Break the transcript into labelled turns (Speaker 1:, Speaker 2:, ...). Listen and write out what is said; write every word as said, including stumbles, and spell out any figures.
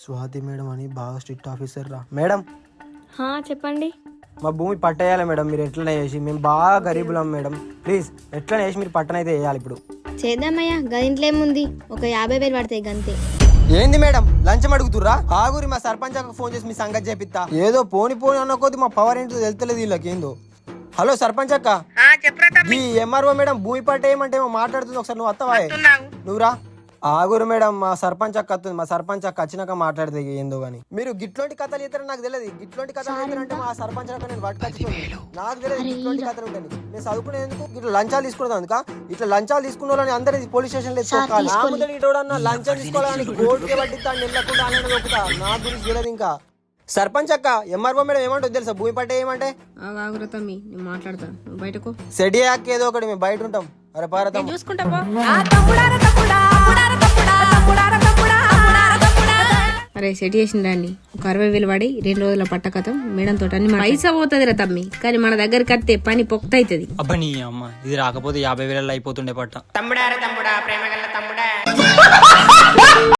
Speaker 1: Swathi madam అని బాగా strict officer రా మేడం.
Speaker 2: చెప్పండి.
Speaker 1: మా భూమి పట్టేయాలి మేడం, మీరు ఎట్లనే చేసి, మేము బాగా గరీబులం మేడం, ప్లీజ్ ఎట్లనే చేసి మీరు పట్టనైతే వేయాలి. ఇప్పుడు
Speaker 2: చేద్దామయ్యా, గదింట్లో ఏముంది, ఒక యాభై వేలు పడతాయి గంతే.
Speaker 1: ఏంది మేడం లంచం అడుగుతుర్రా? ఆగురి మా సర్పంచ్ అక్క ఫోన్ చేసి మీ సంగతి చేపిస్తా. ఏదో పోని పోని అన్న కొద్ది మా పవర్ ఏంటో తెలుస్తలేదు వీళ్ళకి ఏందో. హలో సర్పంచ్ అక్క, ఈ ఎంఆర్ఓ మేడం భూమి పట్టేయమంటే ఏమో మాట్లాడుతుంది, ఒకసారి నువ్వు వస్తావా? నువ్వురా. ఆగురు మేడం, మా సర్పంచ్ అక్క వస్తుంది, మా సర్పంచ్ అక్క వచ్చినాక మాట్లాడితే ఏందో గానీ. మీరు గిట్లోంటి కథలు ఇస్తారని నాకు తెలియదు. గిట్లోంటి కథలు ఇస్తారంటే మా సర్పంచ్ అక్క నేను పట్టుకొచ్చుకోండి, నాకు తెలియదు గిట్లోంటి కథలు ఉంటాయి. నేను చదువుకునేందుకు ఇట్లా లంచాలు తీసుకున్నాను అందుక, ఇట్లా లంచాలు తీసుకున్న వాళ్ళని అందరి పోలీస్ స్టేషన్ ఇటోడన్నా లంచం తీసుకోవాలని కోర్టుకే పట్టిస్తాను వెళ్ళకుండా అనేది దొక్కుతా. నా గురించి తెలియదు. ఇంకా సర్పంచ్ అక్క ఎంఆర్ఓ మేడం ఏమంటుంది తెలుసా? భూమి పట్టే ఏమంటే
Speaker 3: మాట్లాడతా బయటకు
Speaker 1: సెడి అక్క ఏదో ఒకటి, మేము బయట ఉంటాం. అరే పారత
Speaker 3: చూసుకుంటా. అరే సెట్ చేసిన దాన్ని ఒక అరవై వేలు పడి రెండు రోజుల పట్టకతం మేడం తోట అన్ని పైసా పోతుంది రా తమ్మి, కానీ మన దగ్గరికి వస్తే పని పొక్త అవుతుంది.
Speaker 4: అబ్బా నీ అమ్మ, ఇది రాకపోతే యాభై వేలలో అయిపోతుండే పట్ట.
Speaker 5: తమ్ముడా తమ్ముడా ప్రేమ గల్ల తమ్ముడా